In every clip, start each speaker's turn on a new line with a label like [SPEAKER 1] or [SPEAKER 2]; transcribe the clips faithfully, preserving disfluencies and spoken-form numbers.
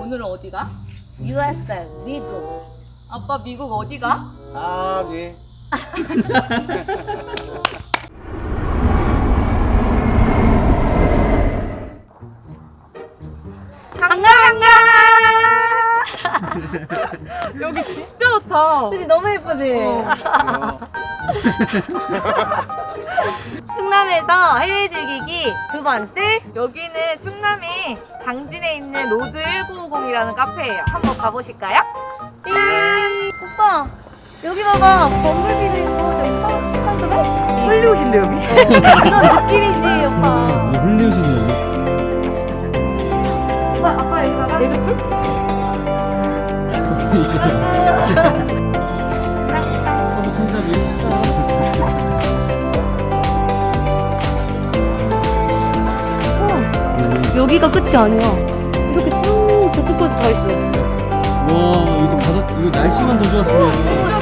[SPEAKER 1] 오늘은 어디가?
[SPEAKER 2] 유에스에이, 미국.
[SPEAKER 1] 아빠 미국 어디가?
[SPEAKER 3] 아, 예.
[SPEAKER 2] 반가 반가.
[SPEAKER 1] 여기 진짜 좋다.
[SPEAKER 2] 그치 너무 예쁘지?
[SPEAKER 1] 어.
[SPEAKER 2] 충남에서 해외 즐기기 두 번째.
[SPEAKER 1] 여기는 충남이 당진에 있는 로드 천구백오십이라는 카페예요. 한번 가보실까요?
[SPEAKER 2] 띵. 오빠 여기 봐봐. 범블비도 있고 저기 스타벅스도
[SPEAKER 1] 홀리우드인데 여기?
[SPEAKER 2] 그런 느낌이지 오빠.
[SPEAKER 4] 흘리우시네요.
[SPEAKER 2] 오빠 아빠 여기 봐봐.
[SPEAKER 1] 레드풀?
[SPEAKER 4] 이제 서부 청사비.
[SPEAKER 2] 여기가 끝이 아니야. 이렇게 쭉 저쪽까지 다 있어.
[SPEAKER 4] 와, 이거 바다, 이거 날씨만 더 좋았으면.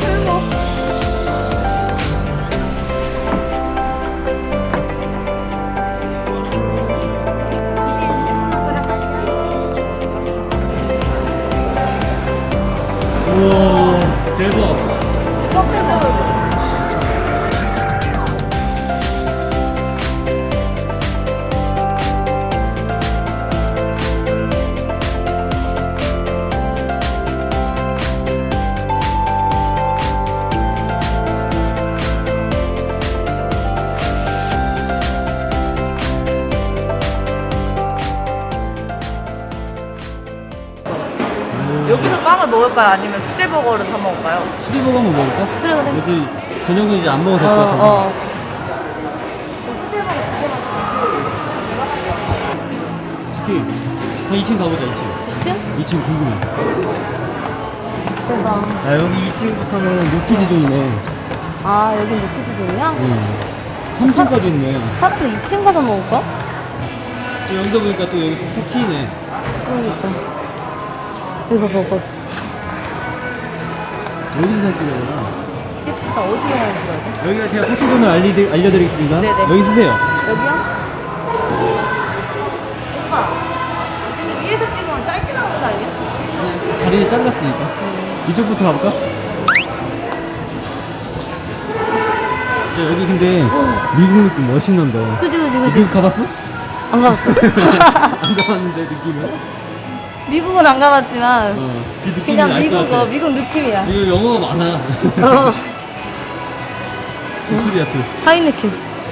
[SPEAKER 4] 우와, 대박.
[SPEAKER 1] 여기서 빵을 먹을까요? 아니면 수제버거를 사 먹을까요?
[SPEAKER 4] 수제버거 한번 먹을까?
[SPEAKER 2] 그래 그래.
[SPEAKER 4] 어제 저녁은 이제 안 먹어서
[SPEAKER 2] 어,
[SPEAKER 4] 어,
[SPEAKER 2] 어.
[SPEAKER 4] 특히 한 이 층 가보자. 이 층.
[SPEAKER 2] 층?
[SPEAKER 4] 이 층 궁금해.
[SPEAKER 2] 대박.
[SPEAKER 4] 아, 여기 이 층부터는 루키즈존이네.
[SPEAKER 2] 아 여긴 루키즈존이야?
[SPEAKER 4] 응. 삼 층까지 있네.
[SPEAKER 2] 차라리 이 층 가서 먹을까?
[SPEAKER 4] 또 여기서 보니까 또 여기 포키네.
[SPEAKER 2] 그러니까. 이거 봐봐.
[SPEAKER 4] 여기서 사진 찍어야 되나?
[SPEAKER 2] 예쁘다. 어디로 가야 돼?
[SPEAKER 4] 여기가 제가 포키존을 알리, 알려드리겠습니다.
[SPEAKER 1] 네네.
[SPEAKER 4] 여기 쓰세요.
[SPEAKER 2] 여기야? 오빠. 근데 위에서 찍으면 짧게 나오는 거 아니야?
[SPEAKER 4] 다리를 잘랐으니까. 이쪽부터 가볼까? 자, 여기 근데 미국 느낌 훨씬 난다.
[SPEAKER 2] 그지 그지 그지.
[SPEAKER 4] 미국 가봤어?
[SPEAKER 2] 안 가봤어.
[SPEAKER 4] 안 가봤는데 느낌은?
[SPEAKER 2] 미국은 안 가봤지만
[SPEAKER 4] 어, 그 느낌이
[SPEAKER 2] 그냥
[SPEAKER 4] 알 것
[SPEAKER 2] 미국
[SPEAKER 4] 같아.
[SPEAKER 2] 어 미국 느낌이야.
[SPEAKER 4] 이거 영어가 많아.
[SPEAKER 2] 어.
[SPEAKER 4] 술이야 술.
[SPEAKER 2] 하이네켄.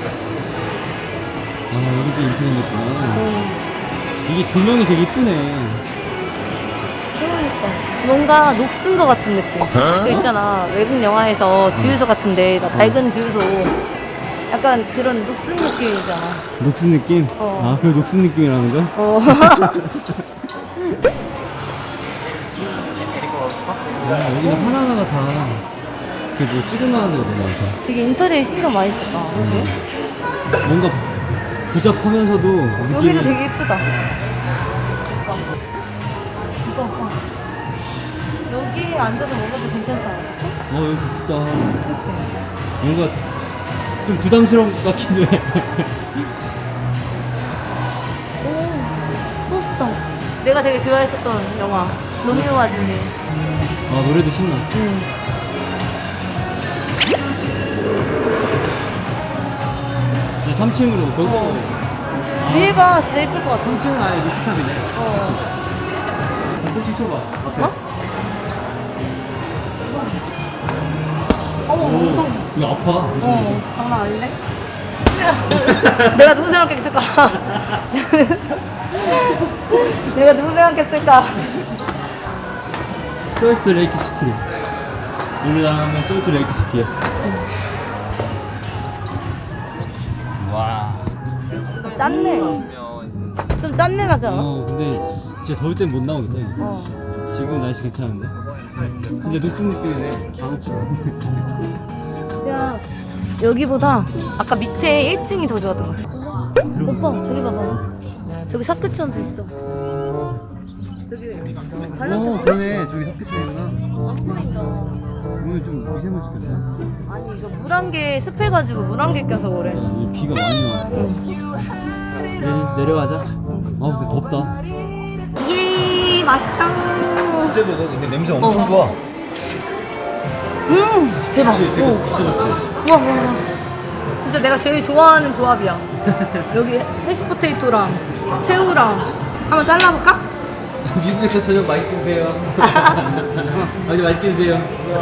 [SPEAKER 4] 아, 여기도 인터넷 있구나.
[SPEAKER 2] 음.
[SPEAKER 4] 이게 조명이 되게 이쁘네.
[SPEAKER 2] 그러니까 뭔가 녹슨 거 같은 느낌. 그 있잖아 외국 영화에서 주유소 같은데 나 밝은 주유소. 약간 그런 녹슨 느낌이잖아.
[SPEAKER 4] 녹슨 느낌?
[SPEAKER 2] 어.
[SPEAKER 4] 아, 그 녹슨 느낌이라는 거?
[SPEAKER 2] 어.
[SPEAKER 4] 아, 여기는 하나하나가 다, 그 뭐 찍어놔야 되는 거 많다.
[SPEAKER 2] 되게 인터넷 신경 많이 썼다. 그지?
[SPEAKER 4] 뭔가 부잡하면서도 느낌이.
[SPEAKER 2] 여기도 되게 예쁘다. 이거 봐. 여기 앉아서 먹어도 괜찮지 않았어?
[SPEAKER 4] 어, 여기 좋다.
[SPEAKER 2] 그치?
[SPEAKER 4] 뭔가 좀 부담스러운 것 같기도 해.
[SPEAKER 2] 오, 포스터. 내가 되게 좋아했었던 영화. 로미오와 줄리엣.
[SPEAKER 4] 아, 노래도 신나.
[SPEAKER 2] 응.
[SPEAKER 4] 이제 삼 층으로, 거기.
[SPEAKER 2] 어.
[SPEAKER 4] 아,
[SPEAKER 2] 위에 봐, 진짜 예쁠 것 같아.
[SPEAKER 4] 삼 층은 아예 루프탑이네.
[SPEAKER 2] 어.
[SPEAKER 4] 꽃이 쳐봐. 앞에.
[SPEAKER 2] 어? 어머,
[SPEAKER 4] 오,
[SPEAKER 2] 엄청.
[SPEAKER 4] 이거 아파.
[SPEAKER 2] 어, 장난 아닌데? 내가 누구 생각했을까? 내가 누구 생각했을까?
[SPEAKER 4] 솔트 레이크 시티. 우리나라 하면 솔트 레이크 시티야. 와.
[SPEAKER 2] 짠내. 좀 짠내 나지 않아?
[SPEAKER 4] 어, 근데 진짜 더울 땐 못 나오겠다.
[SPEAKER 2] 어.
[SPEAKER 4] 지금 날씨 괜찮은데? 근데 녹슨 느낌이네.
[SPEAKER 2] 야, 여기보다 아까 밑에 일 층이 더 좋았던 것 같아. 오빠, 저기 봐봐. 저기 사크천도 있어. 저기
[SPEAKER 4] 어,
[SPEAKER 2] 발라드
[SPEAKER 4] 그러네. 저기 학교층이구나.
[SPEAKER 2] 안 보인다.
[SPEAKER 4] 오늘 좀 미세먼지 꼈다.
[SPEAKER 2] 아니 이거 물 한 개 습해가지고 물 한 개 껴서 그래.
[SPEAKER 4] 이 비가 많이 와.
[SPEAKER 2] 응.
[SPEAKER 4] 내리, 내려가자. 아, 근데 덥다.
[SPEAKER 2] 예. 맛있다.
[SPEAKER 4] 수제버거 근데 냄새 엄청
[SPEAKER 2] 어.
[SPEAKER 4] 좋아.
[SPEAKER 2] 음 대박.
[SPEAKER 4] 그치? 되게
[SPEAKER 2] 오.
[SPEAKER 4] 진짜 좋지?
[SPEAKER 2] 우와 우와 우와. 진짜 내가 제일 좋아하는 조합이야. 여기 해시포테이토랑 새우랑 한번 잘라볼까?
[SPEAKER 4] 미국에서 저녁 맛있게 드세요. 아주 맛있게 드세요.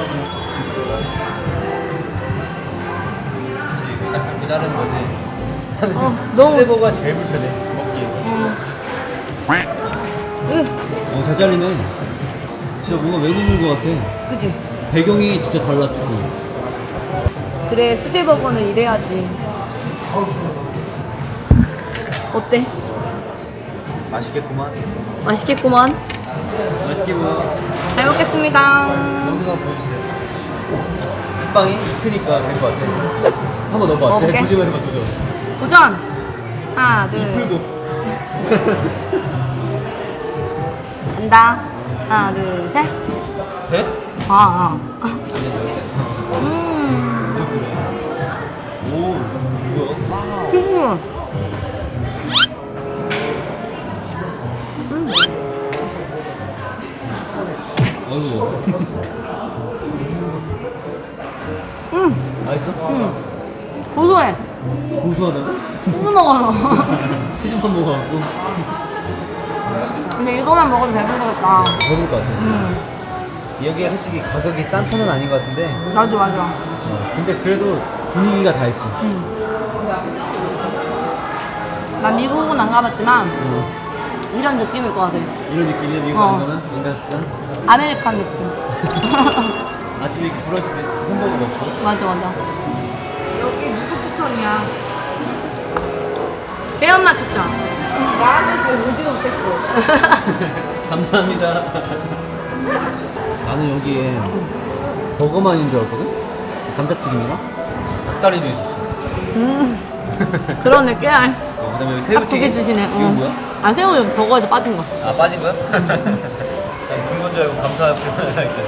[SPEAKER 4] 그치, 딱 잡고 자르는 거지.
[SPEAKER 2] 어, 너무-
[SPEAKER 4] 수제버거가 제일 불편해, 먹기.
[SPEAKER 2] 음. 으,
[SPEAKER 4] 어, 잘 잘리네. 진짜 뭔가 웬일인 것 같아.
[SPEAKER 2] 그지?
[SPEAKER 4] 배경이 진짜 달라, 조금.
[SPEAKER 2] 그래 수제버거는 이래야지. 어때?
[SPEAKER 4] 맛있겠구만.
[SPEAKER 2] 맛있겠구만.
[SPEAKER 4] 맛있겠구만.
[SPEAKER 2] 잘 먹겠습니다.
[SPEAKER 4] 영상 보여주세요. 빵이 크니까 될 것 같아. 한번 넣어봐.
[SPEAKER 2] 먹어볼게.
[SPEAKER 4] 제 도전을 해봐, 도전.
[SPEAKER 2] 도전. 하나 둘.
[SPEAKER 4] 풀고.
[SPEAKER 2] 간다. 하나 둘 셋.
[SPEAKER 4] 돼?
[SPEAKER 2] 아. 아.
[SPEAKER 4] 안 된다.
[SPEAKER 2] 음.
[SPEAKER 4] 저 그래. 오, 뭐야?
[SPEAKER 2] 음. 음.
[SPEAKER 4] 아이고.
[SPEAKER 2] 음.
[SPEAKER 4] 맛있어?
[SPEAKER 2] 음. 고소해.
[SPEAKER 4] 고소하다고?
[SPEAKER 2] 소스 먹어서.
[SPEAKER 4] 치즈만 먹어갖고.
[SPEAKER 2] 근데 이거만 먹어도 배부르겠다.
[SPEAKER 4] 배부를 것 같아.
[SPEAKER 2] 음.
[SPEAKER 4] 여기가 솔직히 가격이 싼 편은 아닌 것 같은데.
[SPEAKER 2] 맞아 맞아.
[SPEAKER 4] 어, 근데 그래도 분위기가 다 있어.
[SPEAKER 2] 음. 난 미국은 안 가봤지만
[SPEAKER 4] 어.
[SPEAKER 2] 이런 느낌일 것 같아.
[SPEAKER 4] 이런 느낌이야, 미국
[SPEAKER 2] 어.
[SPEAKER 4] 안 가면? 안 갔잖아?
[SPEAKER 2] 아메리칸 느낌.
[SPEAKER 4] 아침에 이렇게 브런치 햄버거 먹고.
[SPEAKER 2] 맞아 맞아.
[SPEAKER 1] 여기 누구 추천이야?
[SPEAKER 2] 배엄마 추천.
[SPEAKER 1] 나는 왜 오디오 됐어?
[SPEAKER 4] 감사합니다. 나는 여기에 버거만인 줄 알았거든? 감자튀김이랑 닭다리도 있었어.
[SPEAKER 2] 음. 그러네 깨알.
[SPEAKER 4] 어, 그 다음에 여기
[SPEAKER 2] 딱 두 개
[SPEAKER 4] 새우튀김.
[SPEAKER 2] 주시네.
[SPEAKER 4] 이건
[SPEAKER 2] 어.
[SPEAKER 4] 뭐야?
[SPEAKER 2] 아 새우 여기 버거에서 빠진 거.
[SPEAKER 4] 아, 빠진 거야? 난 굵은 줄 알고 감사하고 했더니.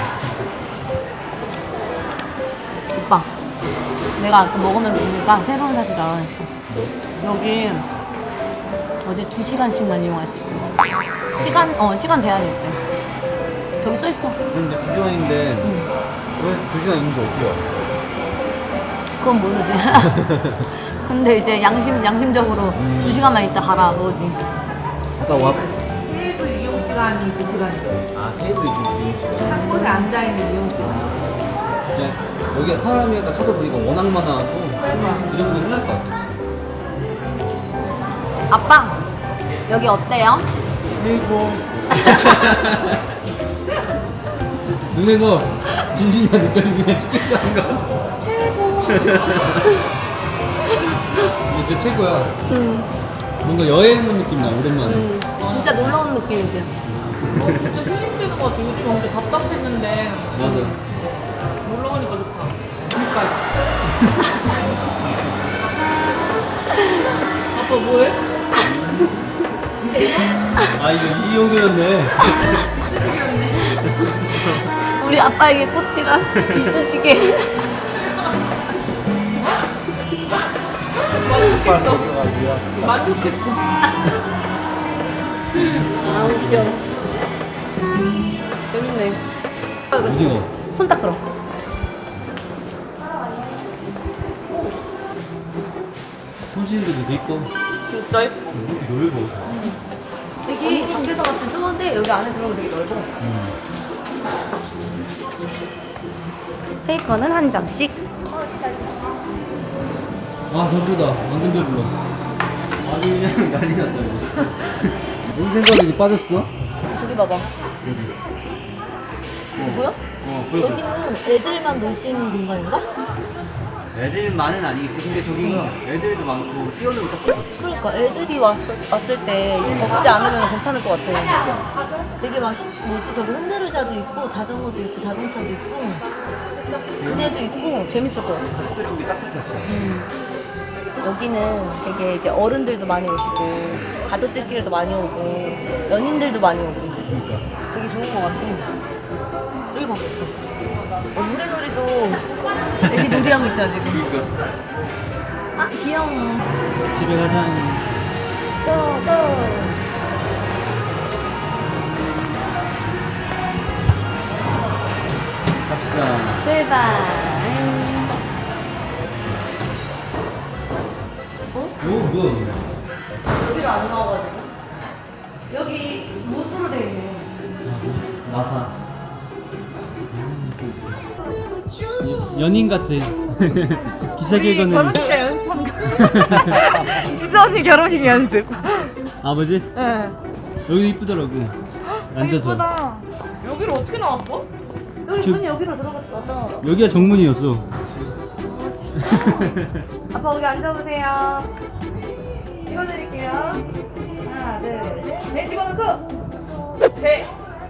[SPEAKER 2] 오빠. 내가 아까 먹으면서 보니까 새로운 사실 알아냈어. 여기 어제 두 시간씩만 이용할 수 있대. 시간 어 시간 제한이 있대. 저기 써 있어.
[SPEAKER 4] 근데 두 시간인데
[SPEAKER 2] 응.
[SPEAKER 4] 왜 두 시간 있는지 어떻게 알아?
[SPEAKER 2] 그건 모르지. 근데 이제 양심 양심적으로
[SPEAKER 4] 음.
[SPEAKER 2] 두 시간만 있다 가라 그거지.
[SPEAKER 4] 아까 와.
[SPEAKER 1] 테이블 이용 시간이 두 시간이죠.
[SPEAKER 4] 아, 테이블이 지금 이용 시간.
[SPEAKER 1] 한 곳에 앉아 있는 이용 시간.
[SPEAKER 4] 이제 여기가 사람이 아까 찾아보니까 워낙 많아갖고 그 정도 해낼 것 같아.
[SPEAKER 2] 아빠 여기 어때요?
[SPEAKER 4] 최고. 눈에서 진심만 느껴지면 시키지 않은 거.
[SPEAKER 2] 최고.
[SPEAKER 4] 이게 진짜 최고야.
[SPEAKER 2] 응.
[SPEAKER 4] 뭔가 여행 온 느낌 나, 오랜만에.
[SPEAKER 2] 응. 진짜 놀러 온 느낌이지.
[SPEAKER 1] 어, 진짜 힐링되는 것 같아. 요즘 엄청 답답했는데
[SPEAKER 4] 맞아.
[SPEAKER 1] 놀러 가니까 좋다. 그러니까요. 아빠 뭐해?
[SPEAKER 4] 아, 이거 이 용도였네.
[SPEAKER 2] 우리 아빠에게 꽃이란 이쑤시개.
[SPEAKER 1] 만족했어.
[SPEAKER 2] 아 웃겨. 재밌네.
[SPEAKER 4] 어디가?
[SPEAKER 2] 손 닦으러.
[SPEAKER 4] 손실도 돼 있고.
[SPEAKER 1] 진짜 예뻐.
[SPEAKER 4] 이렇게 넓어.
[SPEAKER 2] 여기 밖에서 봤을 때 좁은데 여기 안에 들어가면 되게 넓어. 페이퍼는 한 장씩.
[SPEAKER 4] 아, 배부르다. 완전 배불러. 아주 그냥 난리 났다, 이거. 뭔 생각이 빠졌어?
[SPEAKER 2] 저기 봐봐.
[SPEAKER 4] 여기.
[SPEAKER 2] 뭐야?
[SPEAKER 4] 어, 보여.
[SPEAKER 2] 여기는 애들만 놀 수 있는 공간인가?
[SPEAKER 4] 애들만은 아니겠지. 근데 저기가 애들도 많고 뛰어놀고 딱 좋지.
[SPEAKER 2] 그러니까 애들이 왔, 왔을 때 이제 덥지 않으면 괜찮을 것 같아. 되게 막 시- 뭐지 저기 흔들의자도 있고 자전거도 있고 자동차도 있고 그네도 있고 재밌을 것 같아.
[SPEAKER 4] 특별히 딱 좋겠어.
[SPEAKER 2] 음. 여기는 되게 이제 어른들도 많이 오시고 가족들끼리도 많이 오고 연인들도 많이 오고
[SPEAKER 4] 그러니까.
[SPEAKER 2] 되게 좋은 것 같아. 여기 봐. 어, 노래놀이도 애기 놀이하고 있잖아 지금.
[SPEAKER 4] 그러니까.
[SPEAKER 2] 아 귀여워.
[SPEAKER 4] 집에 가자.
[SPEAKER 2] 또 또.
[SPEAKER 4] 자,
[SPEAKER 2] 출발.
[SPEAKER 4] 오, 뭐야?
[SPEAKER 2] 여기로 안 나와가지고. 여기 못으로 돼 있네.
[SPEAKER 4] 나사. 연인 같아. 기차객은
[SPEAKER 1] 결혼식 때 연습한 거. 지수 언니 결혼식 연습.
[SPEAKER 4] 아버지?
[SPEAKER 1] 네.
[SPEAKER 4] 여기 이쁘더라고. 앉아서.
[SPEAKER 1] 이쁘다. 여기로 어떻게 나왔어?
[SPEAKER 2] 여기
[SPEAKER 4] 저-
[SPEAKER 2] 문이 여기로 들어갔어. 왔다.
[SPEAKER 4] 여기가 정문이었어.
[SPEAKER 1] 아빠 여기 앉아보세요. 찍어드릴게요. 하나, 둘, 셋. 네, 집어넣고. 네.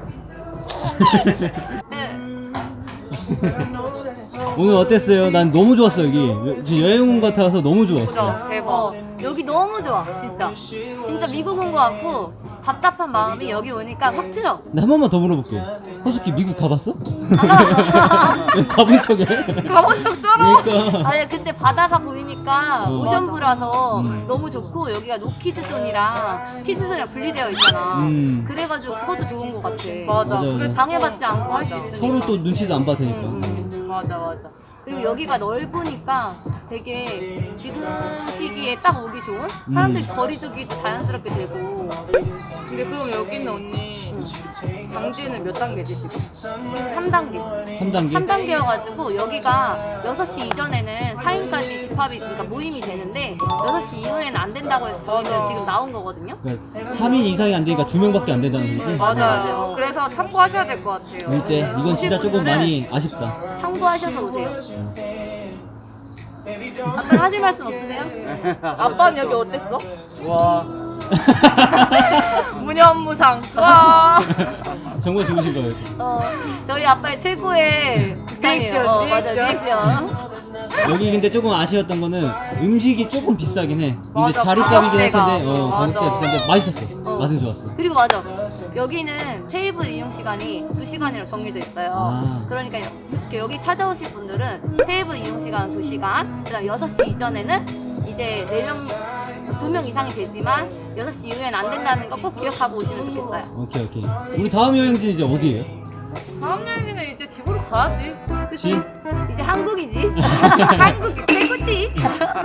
[SPEAKER 4] 오늘 어땠어요? 난 너무 좋았어 여기. 여- 여행 온 것 같아서 너무 좋았어.
[SPEAKER 1] 그죠? 대박.
[SPEAKER 2] 어, 여기 너무 좋아, 진짜. 진짜 미국 온 거 같고, 답답한 마음이 여기 오니까 확 틀어.
[SPEAKER 4] 나 한 번만 더 물어볼게. 허수키 미국 가봤어?
[SPEAKER 2] 아,
[SPEAKER 4] 가본 척해.
[SPEAKER 1] 가본 적 쩔어.
[SPEAKER 4] 그러니까.
[SPEAKER 2] 아니, 근데 바다가 보이니까
[SPEAKER 4] 어.
[SPEAKER 2] 오션뷰라서
[SPEAKER 4] 음.
[SPEAKER 2] 너무 좋고, 여기가 노키즈존이랑 키즈존이랑 분리되어 있잖아.
[SPEAKER 4] 음.
[SPEAKER 2] 그래가지고 그것도 좋은 거 같아.
[SPEAKER 1] 맞아.
[SPEAKER 4] 맞아요.
[SPEAKER 1] 그래,
[SPEAKER 2] 방해받지 않고 할 수 있으니까.
[SPEAKER 4] 서로 또 눈치도 안 봐도 되니까.
[SPEAKER 2] 음, 음.
[SPEAKER 1] 맞아, 맞아.
[SPEAKER 2] 그리고 여기가 넓으니까 되게 지금 시기에 딱 오기 좋은? 사람들이
[SPEAKER 4] 음.
[SPEAKER 2] 거리 두기도 자연스럽게 되고.
[SPEAKER 1] 근데 그럼 여기 있는 언니 강진은 몇 단계지 지금?
[SPEAKER 2] 삼 단계.
[SPEAKER 4] 삼 단계?
[SPEAKER 2] 삼 단계여가지고 여기가 여섯 시 이전에는 사 인까지 집합이, 그러니까 모임이 되는데 여섯 시 이후에는 안 된다고 해서 저희는
[SPEAKER 1] 맞아.
[SPEAKER 2] 지금 나온 거거든요.
[SPEAKER 4] 그러니까 삼 인 이상이 안 되니까 두 명밖에 안 된다는 소리지?
[SPEAKER 1] 맞아요.
[SPEAKER 2] 맞아요.
[SPEAKER 1] 그래서 참고하셔야 될 것 같아요.
[SPEAKER 4] 올 때 이건 진짜 조금 많이 아쉽다.
[SPEAKER 2] 참고하셔서 오세요. 아까 하실 말씀 없으세요?
[SPEAKER 1] 아빠는 여기 어땠어?
[SPEAKER 3] 와,
[SPEAKER 1] 무념무상. 와.
[SPEAKER 4] 정말 좋으신 거예요.
[SPEAKER 2] 어, 저희 아빠의 최고의 극장이에요.
[SPEAKER 1] 리액션,
[SPEAKER 2] 어, 맞아,
[SPEAKER 1] 리액션.
[SPEAKER 2] 리액션.
[SPEAKER 4] 여기 근데 조금 아쉬웠던 거는 음식이 조금 비싸긴 해. 근데
[SPEAKER 1] 맞아,
[SPEAKER 4] 자리값이긴 할
[SPEAKER 1] 가격대가.
[SPEAKER 4] 텐데, 어,
[SPEAKER 1] 맞아.
[SPEAKER 4] 가격대가 비싼데 맛있었어.
[SPEAKER 2] 어.
[SPEAKER 4] 맛은 좋았어.
[SPEAKER 2] 그리고 맞아. 여기는 테이블 이용 시간이 두 시간이라 정해져 있어요.
[SPEAKER 4] 아.
[SPEAKER 2] 그러니까 여- 이렇게 여기 찾아오실 분들은 테이블 이용 시간은 두 시간, 그다음 여섯 시 이전에는 이제 네 명, 두 명 이상이 되지만 여섯 시 이후에는 안 된다는 거 꼭 기억하고 오시면 좋겠어요.
[SPEAKER 4] 오케이, 오케이. 우리 다음 여행지 이제 어디예요?
[SPEAKER 1] 다음 여행은 이제 집으로 가야지.
[SPEAKER 2] 그치?
[SPEAKER 4] 지?
[SPEAKER 2] 이제 한국이지. 한국이 최고지.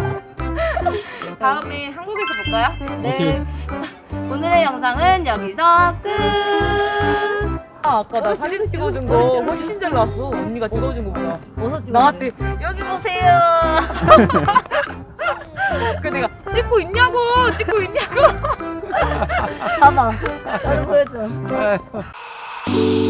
[SPEAKER 1] 다음에 한국에서 볼까요?
[SPEAKER 2] 네. 오늘의 영상은 여기서 끝.
[SPEAKER 1] 아, 아까 나 사진 찍어준 거 훨씬 잘 나왔어. 언니가 찍어준 거보다.
[SPEAKER 2] 어서 찍어.
[SPEAKER 1] 나한테 여기 보세요. 그 내가 찍고 있냐고, 찍고 있냐고.
[SPEAKER 2] 봐봐. 나도 보여줘.